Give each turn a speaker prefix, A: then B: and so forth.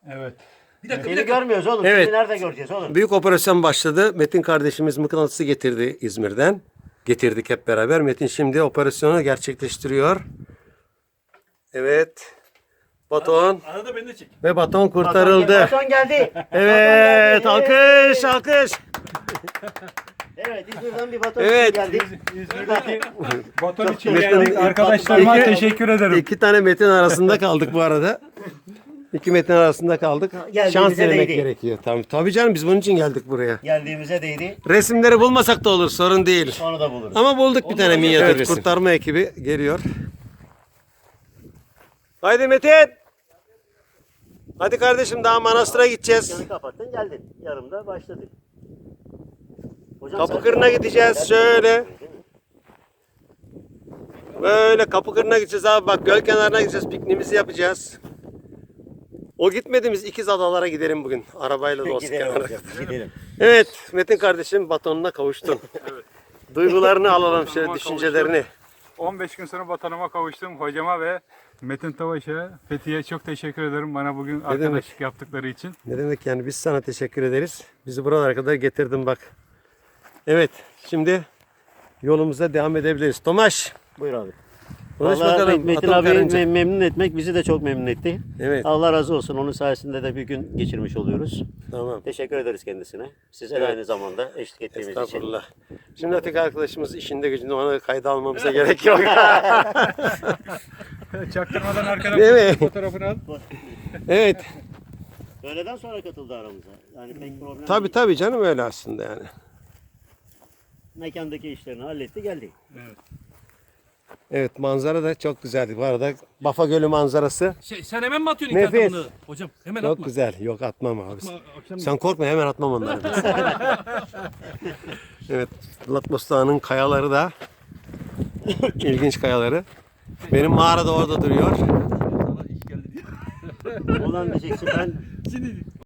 A: Evet.
B: Bir dakika,
C: Seni görmüyoruz oğlum.
D: Evet.
C: Seni nerede göreceğiz oğlum?
D: Büyük operasyon başladı. Metin kardeşimiz mıknatısı getirdi İzmir'den. Getirdik hep beraber. Metin şimdi operasyonu gerçekleştiriyor. Evet. Baton
A: Arada beni de çek.
D: ve baton kurtarıldı.
C: Baton geldi.
D: Evet,
C: Baton geldi.
D: alkış, alkış.
C: Evet, İzmir'den bir baton
D: Evet.
C: geldi.
A: İzmir'deki baton için
D: Metin-
A: geldik. Arkadaşlarıma
D: İki-
A: teşekkür ederim.
D: İki tane metin arasında kaldık bu arada. İki metin arasında kaldık.
C: Geldiğimize
D: Şans denemek
C: değdi.
D: gerekiyor. Tabii canım biz bunun için geldik buraya.
C: Geldiğimize değdi.
D: Resimleri bulmasak da olur, sorun değil.
C: Onu da buluruz.
D: Ama bulduk bir tane minyatür resim. Kurtarma ekibi geliyor. Haydi Metin. Hadi kardeşim daha manastıra gideceğiz.
C: Yanı kapattın geldin. Yarımda başladık. Hocam
D: Kapı
C: sen-
D: kırına gideceğiz şöyle. Böyle kapı kırına gideceğiz abi, bak göl kenarına gideceğiz, pikniğimizi yapacağız. O gitmediğimiz ikiz adalara gidelim bugün. Arabayla da olsun.
C: Gidelim hocam. Gidelim.
D: Evet Metin kardeşim batonuna kavuştun. Duygularını alalım şöyle, düşüncelerini.
A: 15 gün sonra vatanıma kavuştum. Hocama ve Metin Tavaş'a, Fethiye'ye çok teşekkür ederim bana bugün arkadaşlık yaptıkları için.
D: Ne demek yani, biz sana teşekkür ederiz. Bizi buralara kadar getirdin bak. Evet şimdi yolumuza devam edebiliriz. Tomaş
C: Buyur abi.
D: konuş
C: Vallahi
D: bakalım.
C: Metin
D: Atom
C: abi
D: karınca.
C: memnun etmek bizi de çok memnun etti.
D: Evet.
C: Allah razı olsun. Onun sayesinde de bir gün geçirmiş oluyoruz.
D: Tamam.
C: Teşekkür ederiz kendisine. Size de
D: Evet.
C: aynı zamanda eşlik ettiğimiz için.
D: Estağfurullah. Şimdi öteki arkadaşımız işinde gücünde, ona kayda almamıza gerek yok.
A: Çaktırmadan arkadan
D: Değil mi?
A: fotoğrafını al.
D: Evet.
C: Öğleden sonra katıldı aramıza. Yani pek problem
D: Tabii
C: değil.
D: tabii canım, öyle aslında yani.
C: Mekandaki işlerini halletti geldi.
D: Evet, manzara da çok güzeldi. Bu arada Bafa Gölü manzarası
B: Sen hemen mi atıyorsun
D: Nefis.
B: ilk atımını? Hocam hemen
D: çok
B: atma.
D: güzel. Yok atmam abi.
B: Akşam
D: Sen korkma, hemen atmam onları. Evet, Latmos Dağı'nın kayaları da ilginç kayaları. Benim mağara da orada duruyor.
C: Olan diyeceksin ben
B: Şimdi